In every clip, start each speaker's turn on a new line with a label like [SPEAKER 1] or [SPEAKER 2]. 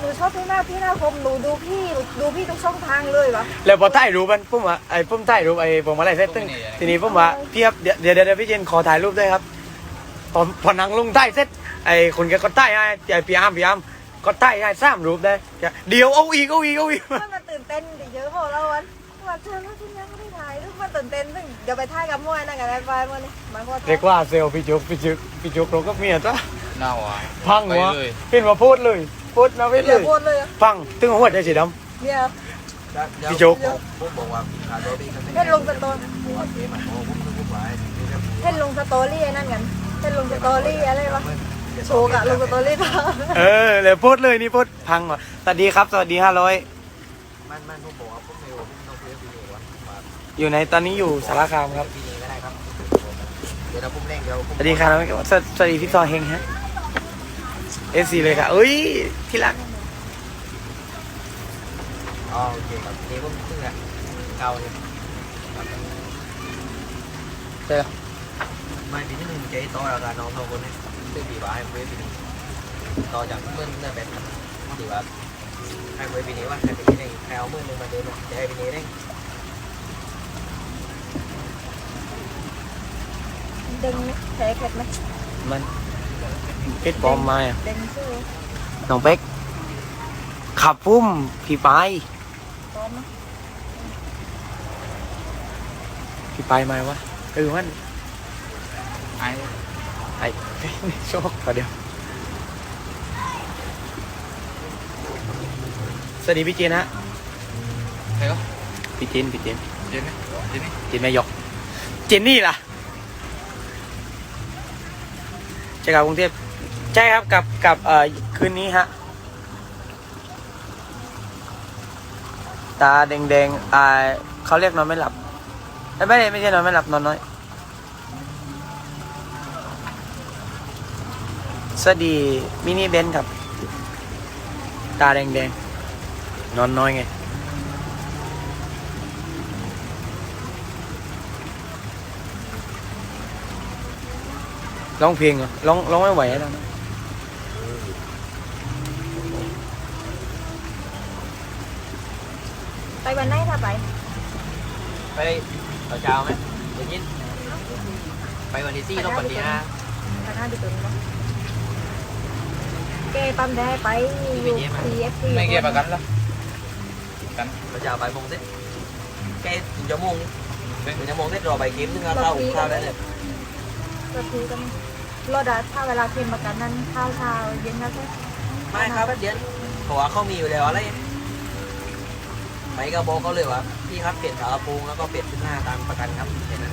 [SPEAKER 1] ชอบพี่หน้าคมดูพี่ทุกช่องทางเลยวะ
[SPEAKER 2] แล้วพอถ่ายรูปมันผมว่าไอ้ผมถ่ายรูปไอ้ผมอะไรเสร็จตึ้งทีนี้ผมว่าพี่ครับเดี๋ยวพี่เจนขอถ่ายรูปด้วยครับพอนั่งลงถ่ายเสร็จไอ้คนแกก็ถ่ายให้ไอ้พี่อาร์มก็ถ่ายให้3 รูปได้เดี๋ยวเอาอีก
[SPEAKER 1] มันตื่นเต้นดิเยอะพอแล้ววันเชิญว่าที่ยังไม่ได้ถ่ายรูปมันตื่นเต้นซึ่งเดี๋ยวไปถ่ายกับมวยนั่งกับไอ้ปลายวันนี้มันก็
[SPEAKER 2] เรียกว่าเซลพี่จุกเราก็เมียจ้ะ
[SPEAKER 3] น่าหวาน
[SPEAKER 2] พังวะเห็นว่าโพสเลยโพสนะเว้ยเลยพังตึ้งหัวใจสีดำ
[SPEAKER 1] เนี่ย
[SPEAKER 2] พี่จุก
[SPEAKER 1] เห็นลงสตอรี่เห็นลงสตอรี่นั่นกันเห็นลงสตอรี่อะไรวะโชว์กะลงสตอรี่ป่ะ
[SPEAKER 2] เลยโพสเลยนี่โพสพังว่ะสวัสดีครับสวัสดี500
[SPEAKER 3] มันผมบอกว่าผมไม่รู้ผมต้องเรียนวีดีโอว่า
[SPEAKER 2] อยู่ในตอนนี้อยู่สารคามครับ
[SPEAKER 3] วีดีก็ได้ครับเดี๋ยวเราพุ่มเร่งเดี๋ยว
[SPEAKER 2] สวัสดีครับสวัสดีพี่ซอเฮงฮะFC เลยค่ะเอ้ยที่รัก
[SPEAKER 3] โอเคครับเดี๋ยวผมขึ้นละเก่าเลย
[SPEAKER 2] เจอ
[SPEAKER 3] ไม่ปีที่หนึ่งใจต่อแล้วกันน้องคนนี้ซึ่งปีว่าให้เวทีนี้ต่อจากเมื่อเนี่ยเป็นปีว่าให้เวทีนี้ว่าให้ปีนี้ได้แถวเมื่อนึงมาเดินจะให้ปีนี้ได้
[SPEAKER 1] ดึงแผลเข็ดไหม
[SPEAKER 2] มันเพชรบอมมาอ่ะ
[SPEAKER 1] ดึงชื่อ
[SPEAKER 2] น้องเป๊กขับปุ้มพี่ไปพี่ไปมาวะมันไอ้โชคขอเดียวสวัสดีพี่เจนฮะ
[SPEAKER 3] ใครก็
[SPEAKER 2] พี่เจน
[SPEAKER 3] เจน
[SPEAKER 2] แม่ยกเจนนี่ล่ะจะกลับกรุงเทพใช่ครับกับคืนนี้ฮะตาแดงเขาเรียกนอนไม่หลับไม่ใช่นอนไม่หลับนอนน้อยสวัสดีมินิเบนครับตาแดงนอนน้อยไงร้องเพลงเหรอร้องไม่ไหวแล้วนะ
[SPEAKER 1] ไปวันไหนถ้าไป
[SPEAKER 3] ต่อเช้าไหมเดี๋ยวยินไปวันที่4ต้องวันที่5
[SPEAKER 1] วัน5จะตื่นมั้งเกย์ปั๊มได้ไปอยู่ CFC
[SPEAKER 3] ไม่เกี่ยวกับกันหรอกันต่อเช้าบ่ายโมงเสร็จแกถึงชั่วโมงเสร็จรอใบเกมนึงเอาข้าวได้เลย
[SPEAKER 1] ก็คือกันรอดถ้าเวลาเค็มมากันนั้นข้าวเช้าเย็นแล้วใช่
[SPEAKER 3] ไม่ครับเย็นเพราะว่าเขามีอยู่แล้วอะไรไปก็บอกเขาเลยว่าพี่ครับเปลี่ยนฝากระโปรงแล้วก็เปลี่ยนชุดหน้าตามประกันครับเห็นไหม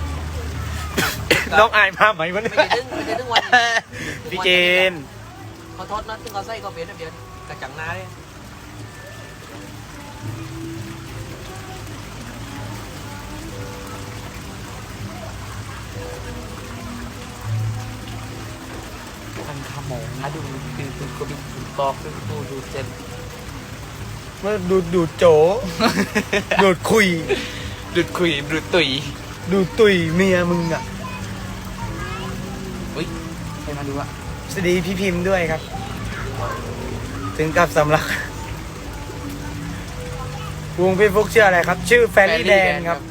[SPEAKER 2] น้องอายมาไหมวันนี้
[SPEAKER 3] ไม่ได้ถึงวัน
[SPEAKER 2] พี่เจน
[SPEAKER 3] เขาทอดนัดซึ่งเขาใส่ก็เปลี่ยนเดียวกระจังหน้าเลย
[SPEAKER 2] ทันขโมงนะดูคือก็ดูตอกดูเจนเมื่อดูโจดูคุย
[SPEAKER 3] ดูตุ
[SPEAKER 2] ยเมียมึงอ่ะ
[SPEAKER 3] อุ้ยใครมาดูอ่ะ
[SPEAKER 2] สวัสดีพี่พิมพ์ด้วยครับถึงกับสำลักวงพี่ฟุกชื่ออะไรครับชื่อแฟรี่แดนครับ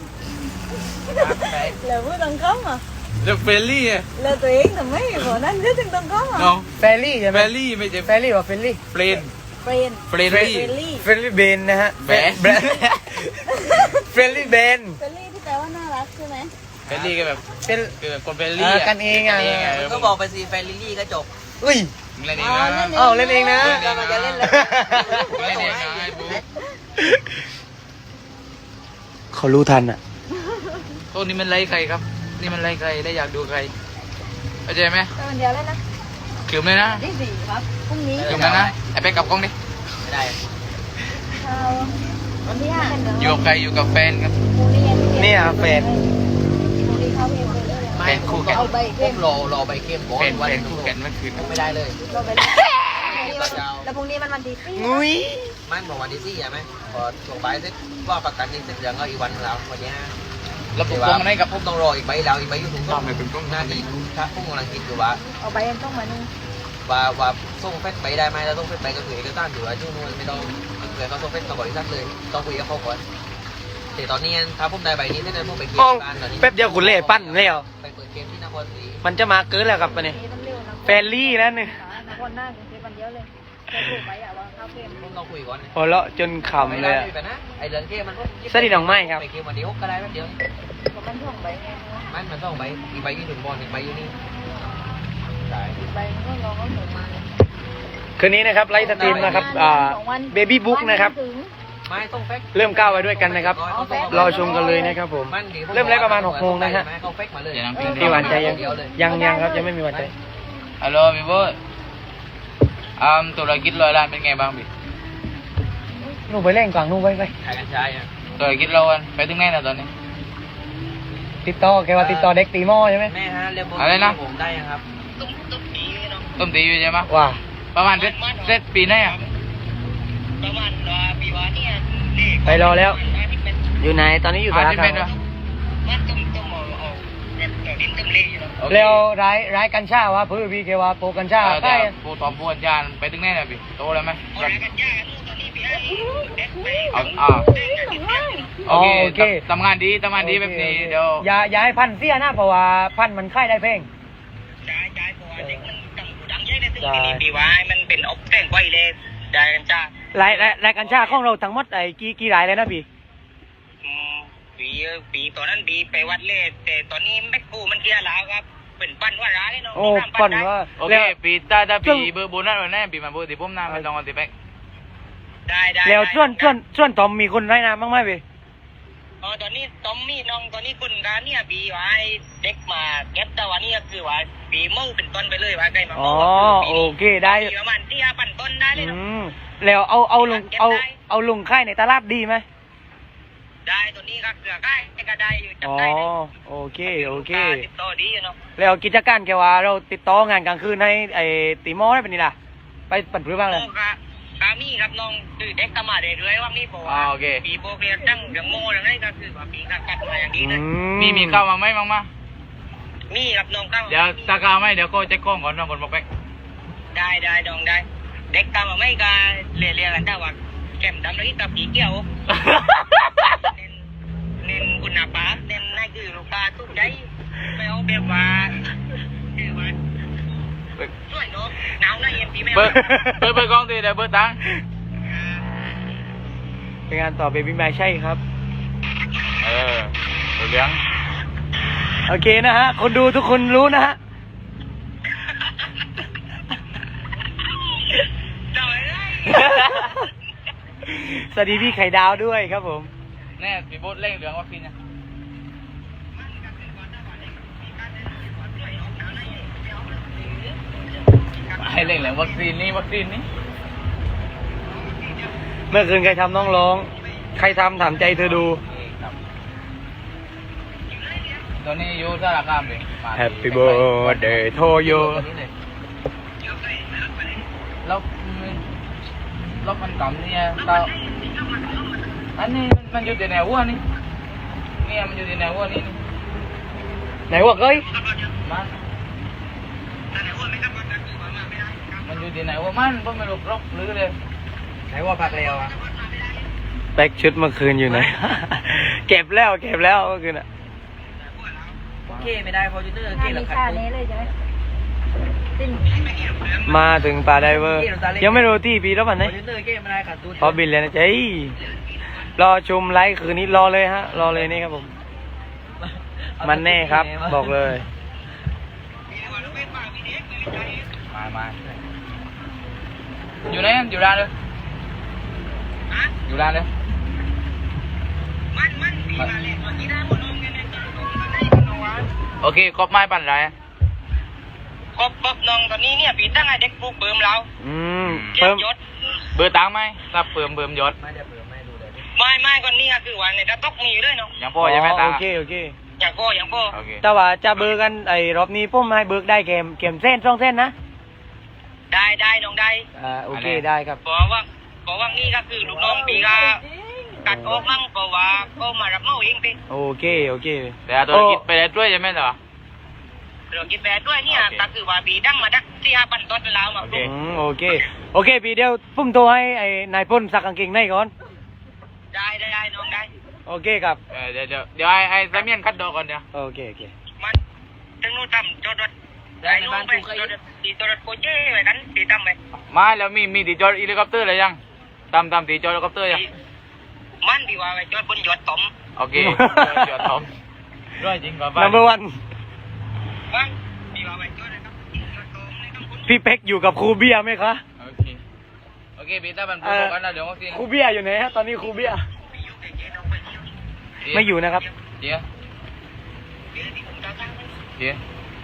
[SPEAKER 1] แล้วพูดตรงข้ามอ่ะ
[SPEAKER 3] แล้วเฟลลี่อ่ะ
[SPEAKER 1] แล้วตัวเองทำไมบอกนั่นเรื่องตรงข้ามอ่ะ
[SPEAKER 2] แฟรี่ใช่ไหม
[SPEAKER 3] แฟรี่ไม่ใช่
[SPEAKER 2] แฟรี่ว่าเฟลลี่
[SPEAKER 3] เฟรนเฟร
[SPEAKER 2] ลี่เบนนะฮะเฟรลี่เบน
[SPEAKER 1] ที่แปลว่าน่ารักใช่ไหม
[SPEAKER 3] เฟรลี่ก็แบบคนเฟรลี่
[SPEAKER 2] กันเองอ่ะ
[SPEAKER 3] ก็บอกไปสิเฟรลี่ก็จบ
[SPEAKER 2] อุ้ย
[SPEAKER 3] เล่นเองนะ
[SPEAKER 2] เล่นเองนะ
[SPEAKER 1] เราจะเล่นเลย
[SPEAKER 3] เล่นเองนะไอ้บุ๊ค
[SPEAKER 2] เขารู้ทันอ่ะ
[SPEAKER 3] โอ้นี่มันไล่ใครครับนี่มันไล่ใครได้อยากดูใครเข้าใจไหม
[SPEAKER 1] วันเดียวเลยนะ
[SPEAKER 3] คืมเลยนะ
[SPEAKER 1] ที่4ครับพรุ่งนี้
[SPEAKER 3] คืมแล้วนะไอ้ไปกับกล้องดิไม่ได้
[SPEAKER 1] วันที่5
[SPEAKER 3] อยู่กับใครอยู่กับแฟนครับ
[SPEAKER 2] นี่อ่ะแฟน
[SPEAKER 3] แฟนคู่แข่งผมรอใบเข้มแฟนคู่แข่งมันคืนไม่ได้เลย
[SPEAKER 1] แล้วพรุ่งนี้มันวันที่4
[SPEAKER 2] งุ้ย
[SPEAKER 3] ไม่บอกวันที่4ใช่ไหมพอส่งใบเสร็จว่าประกันนี่เสร็จยังก็อีกวันแล้ววันนี้แล้วผมต้องให้กับผมต้องรออีกใบดาวอีกใบอยู่ถุงต้องหน้าที่ถ้าผมกำลังคิดอยู่ว่า
[SPEAKER 1] เอาใบยังต้องมานึง
[SPEAKER 3] ผว่าส่งเฟซไปได้ไหมแล้วส่งเฟซไปก็คือเอกสารอยู่ว่าช่วงนู้นไม่ต้องเกิดเขาส่งเฟซกับบริษัทเลยต้องคุยกับเขาก่อนแต่ตอนนี้ถ้าผมได้ใบนี้ได้ผมไปเกม
[SPEAKER 2] มอง
[SPEAKER 3] บ้านตอนนี้
[SPEAKER 2] แป๊บเดียวคุณเล่ปั้นแล้ว
[SPEAKER 3] ไปเปิดเกมที่นครศรี
[SPEAKER 2] มันจะมาเกินแล้วครับวันนี้
[SPEAKER 1] มันเร็วนะ
[SPEAKER 2] แฟรลี่แล้วเนี่ย
[SPEAKER 1] นครหน้ากรุงเทพมันเยอะเลยจะถูกไปวางข้าวเกม
[SPEAKER 3] ผมต้องคุยก่อน
[SPEAKER 2] หัวเราะจนขำเลยอะ
[SPEAKER 3] ไปนะไอเรื่องเกมมัน
[SPEAKER 2] สวัสดีน้องไม้ครับ
[SPEAKER 3] ไปเกมวันเดียวก็ได้แป๊บเดียว
[SPEAKER 1] ก็มันท่องใบไง
[SPEAKER 3] มันต้องใบอีกใบที่ถึงบอลอีกใบอยู่นี่ได้
[SPEAKER 1] ใบมันก็ลองเอาหมูมา
[SPEAKER 2] คืนนี้นะครับไลฟ์สตรีมนะครับเบบี้บุ๊กนะครับ
[SPEAKER 3] ไม่ต้องเฟก
[SPEAKER 2] เริ่มก้าวไว้ด้วยกันนะครับ รอชมกันเลยนะครับผม เริ่มไลฟ์ประมาณ6 โมงนะฮะ
[SPEAKER 3] เขาเฟกมาเลย
[SPEAKER 2] พี่หวานใจยังครับยังไม่มีหวานใจ
[SPEAKER 4] ฮัลโหลพี่โบ๊ทธุรกิจ100 ล้านเป็นไงบ้างพี่
[SPEAKER 2] นู่นไปเล่นกวางนู่นไป
[SPEAKER 3] ขายกัญชาอ่ะ
[SPEAKER 4] ธุรกิจเราอะไปถึงไหนแล้วตอนนี้
[SPEAKER 2] ติดต่อแกว่าติดต่อเด็กตีหม้อใช่ไหม
[SPEAKER 3] แม่ฮะเรียก
[SPEAKER 4] อะไรนะ
[SPEAKER 3] ผมได้ยังครับ
[SPEAKER 4] ต้มตีอยู่ใช่ไหม
[SPEAKER 2] ว่า
[SPEAKER 4] ประมาณเสร็จปีไหนอ่ะ
[SPEAKER 3] ประมาณปีวาเนี่ย
[SPEAKER 2] ไปรอแล้ว อยู่ไหนตอนนี้อยู่สาร
[SPEAKER 4] ที่
[SPEAKER 2] คา
[SPEAKER 4] เป็น
[SPEAKER 2] ม
[SPEAKER 4] วะ
[SPEAKER 3] มันต้องเอาแบบดินต้มเละอยู่
[SPEAKER 4] โอเค
[SPEAKER 2] แล้วร้ายกัญชาวะเพื่อพี่แกว่าโปรกัญชา
[SPEAKER 4] แต่
[SPEAKER 2] ใกล้
[SPEAKER 4] ผู้ตอบผู้อาจารย์ไปถึงไหนแล้วพี่โตแล้วไหมโอเคทำงานดีแบบนี้เดี๋ยว
[SPEAKER 2] อย่าให้พันเสียนะเพราะว่าพันมันค่ายได้เพลง
[SPEAKER 3] ได้เพราะว่าเด็กมันดังใหญ่ในที่นี้ปีวามันเป็นอบแป้งไว้เลยได้กันจ้าร
[SPEAKER 2] ายกัญชาของเราทั้งหมดไอ้กี่รายเลยนะพี่
[SPEAKER 3] ปีตอนนั้นปีไปวัดเล่แต่ตอนนี้แม็กกูมันเกียร์แล้วครับเป็นปั้นว่าร้ายเนาะ
[SPEAKER 2] โอ้ปั่นว่า
[SPEAKER 4] โอเคปีถ้าปีเบอร์โบนัสวันนั้นปีมาเบอร์ที่ผมน้าไม่ต้องเอาติแป๊ก
[SPEAKER 3] ได้
[SPEAKER 2] แล้วส่วนตอมมีคนไร้น้ำบ้างไหมพี่
[SPEAKER 3] ตอนนี้ตอมมี่น้องตอนนี้คุณการเนี่ยปีว่าเด็กมาเก็บแต่วันนี้คือว่าปีเมื่อเป็นต้นไปเลยว่าใกล้มา
[SPEAKER 2] อ๋อโอเคได้
[SPEAKER 3] ประมาณที่ปั่นต้นได้เลยเนาะ
[SPEAKER 2] แล้วเอาลงค่ายในตลาดดีไหม
[SPEAKER 3] ได้ตัวนี้ก็เกลือได้ก็ได้อยู่จับ
[SPEAKER 2] อ๋อ
[SPEAKER 3] ได้
[SPEAKER 2] โอเค
[SPEAKER 3] ติดต่อดีเนาะ
[SPEAKER 2] แล้วกิจการแกว่าเราติดต่องานกลางคืนให้ไอ้ตีมอได้เป็นนี่ล่ะไปปั่นพื้นบ้างเลย
[SPEAKER 3] กามีครับน้องคือเด็กกมาเรื่อยๆว่ามีบอกว่าปีโบเกียตั้งเรื่องโม่เรื่องนี้ก็คือว่าปีกัดมาอย่างนี้เลย
[SPEAKER 4] มีข้าวมาไหมบ้างมา
[SPEAKER 3] มีครับน้องเข้า
[SPEAKER 4] เดี๋ยวตาข้าวไหมเดี๋ยวก็เช็คกล้องก่อนน้องคนบอกแป๊ก
[SPEAKER 3] ได้น้องได้เด็กกมาไม่ก็เรียนกันได้ว่าแก้มดำเลยกับผีเกี่ยวเน้นคุณภาพเน้นนั่นคือลูกค้าทุกใจไม่เอาแบบว่าคือว่าช่วยเนาะหนาวนะเย็นปีไม่
[SPEAKER 4] เบอร์กล้องดีเดี๋ยวเบอร์ตัง
[SPEAKER 2] เป็นงานต่อเบบี้แม่ใช่ครับ
[SPEAKER 4] เลี้ยง
[SPEAKER 2] โอเคนะฮะคนดูทุกคนรู้นะฮะ สวัสดีพี่ไข่ดาวด้วยครับผม
[SPEAKER 4] แน่พี่โบ๊ทเร่งเหลืองวัคซีนนะให้เร่งเหลืองวัคซีนนี่
[SPEAKER 2] เมื่อคืนใครทำน้องร้อง ใครทำถามใจเธอดู
[SPEAKER 4] ตอนนี้อยู่สารคามเลย
[SPEAKER 2] Happy birthday to you
[SPEAKER 4] แล้วมันต่ำเนี่ยเราอันนี้มันอยู่ในแนววัวนี่เนี่ยมันอยู่ในแนววัวนี่
[SPEAKER 2] ไหนวะเอ้ย
[SPEAKER 4] มันอยู่ที่ไหนวะมันก็ไม่รู้รบหรือเลย
[SPEAKER 3] ไหนว่าพักเร็วอ่ะ
[SPEAKER 2] แบ็กชุดเมื่อคืนอยู่ไหน เก็บแล้วเมื่อคืนอ่ะ
[SPEAKER 3] โอเคไม่ได้พอจูเนอร์เก
[SPEAKER 1] มี
[SPEAKER 3] ลับขัด
[SPEAKER 1] ค่านี้เลยใช่ไหมสิ้น
[SPEAKER 2] มาถึงป่าไดเวอร์ ยังไม่รู้ที่ปีแล้วมัน
[SPEAKER 3] พ
[SPEAKER 2] ไหน
[SPEAKER 3] อจูเนอร์เกไม่ได้ขัดตูด
[SPEAKER 2] พอบินเลยนะจ๊ะรอชมไลฟ์คืนนี้รอเลยฮะ รอเลยนี่ครับผม มันแน่ครับ บอกเลย
[SPEAKER 4] มาอยู่ไหนอยู่ร้านเลยอยู่ร้านเลย
[SPEAKER 3] มันปีมาเลยตอนนี้ได้หมดน้องเงี้ยเนี่ย
[SPEAKER 4] โอเคครบไม้ปั่นไร
[SPEAKER 3] ครบน้องตอนนี้เนี่ยปีตั้งไอเด็กปลูกเบิ่มเรา
[SPEAKER 2] เพิ่ม
[SPEAKER 3] ยศ
[SPEAKER 4] เบอร์ตังไหมถ้าเพิ่มยศ
[SPEAKER 3] ไม่ก่อนนี้ก็คือว่าในกระต๊อกมีอยู่ด้วยเนาะ
[SPEAKER 4] ยังพ่อยังแม่ตัง
[SPEAKER 2] โอเค
[SPEAKER 3] อย่างพ่อ
[SPEAKER 4] โอเค
[SPEAKER 2] แต่ว่าจะเบิกกันไอ้รอบนี้ผมให้เบิกได้เกมเส้น2 เส้นนะ
[SPEAKER 3] ได้น้องได้
[SPEAKER 2] โอเคได้ครับ
[SPEAKER 3] เพราะว่านี่ก็คือลูกน้องปีก็กัดออกมั่งเพราะว่าก็มารับเมาเองไป
[SPEAKER 2] โอเค
[SPEAKER 4] แต่ธุรกิจไปได้ด้วยใช่ไหมเหรอ
[SPEAKER 5] เรื่องกินแบดด้วยเนี่ยก็คือว่าปีดั้งมาดัก4-5 ปันต้นแล้วมา
[SPEAKER 2] โอเคโอเคพี่เดียวผมโทรให้ไอ้นายพ่นซักกางเกงในก่อน
[SPEAKER 5] ได้น้องได้
[SPEAKER 2] โอเคครับ
[SPEAKER 4] เดี๋ยวไอ้ซาเมียนคัดดอกก่อนเดี๋ยว
[SPEAKER 2] โอเค
[SPEAKER 5] มันถึงนู่นทำจอดรถได้นู่นไปจอดรถตีจอดรถโคเจ้ไปกันตีตั้มไป
[SPEAKER 4] มาแล้วมีตีจอดเฮลิคอปเตอร์เลยยังตามตีจอดเฮลิคอปเตอร์ยัง
[SPEAKER 5] มันดีว่าไปจอดบนยอดตม
[SPEAKER 4] โอเคจอดทอมด้วยจริงกว่า
[SPEAKER 2] number one
[SPEAKER 5] มันดีว่าไปจอดนะครับยอดตมในต้องคุณ
[SPEAKER 2] พี่เป๊กอยู่กับครูเบียร์ไหมคะ
[SPEAKER 4] โอเคปีต้ามันพูดกันนะเดี๋ยววัคซีน
[SPEAKER 2] ครูเบียร์อยู่ไหนฮะตอนนี้ครูเบียร์ไม่อยู่นะครับ
[SPEAKER 4] เจี๊ยเจี๊ย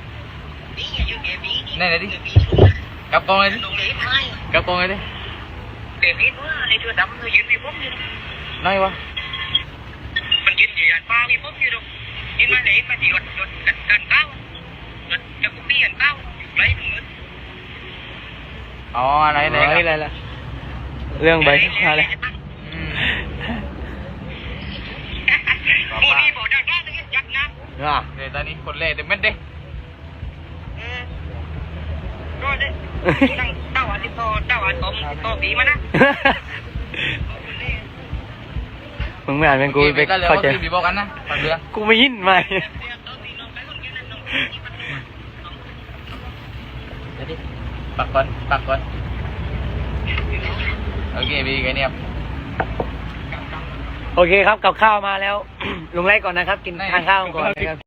[SPEAKER 4] นี่ไหนดิกับกองเลยดิกับกองเลยดิ
[SPEAKER 5] เด็กนี่ว่าไอ้ตัวดำตัวยืนมีผมอยู่
[SPEAKER 4] น้อยวะ
[SPEAKER 5] มันยืนอยู่ยันฟ้ามีผมอยู่ดูยืนมาไหนมาที่รถกันเก้ารถจะกุปี้กันเก้าไรมึง
[SPEAKER 4] อ๋ออะไร
[SPEAKER 2] อะไรล่ะเรื่องใบอะไร
[SPEAKER 5] โอ้นี่บอกได้ว่าต้องยักนะ
[SPEAKER 4] เดี๋ยวตอนนี้คนเล่เดี๋ยวเม็ดดิ
[SPEAKER 5] ก็ได้ตั้งเต้าอันที่โตเต้าอันโตปีมานะ
[SPEAKER 2] มึงไม่อ่านเป็นกูไป
[SPEAKER 4] ก็เลย
[SPEAKER 2] เข้า
[SPEAKER 4] วัค
[SPEAKER 2] ใจ
[SPEAKER 4] ซีนบีบอกกันนะปักเรือ
[SPEAKER 2] กูไม่ยินไหม
[SPEAKER 4] เดี๋ยวดิปักก่อนโอเคบีกันเนี่ย
[SPEAKER 2] โอเคครับกับข้าวมาแล้ว ลงไล่ก่อนนะครับ กินทานข้าวก่อนนะครับ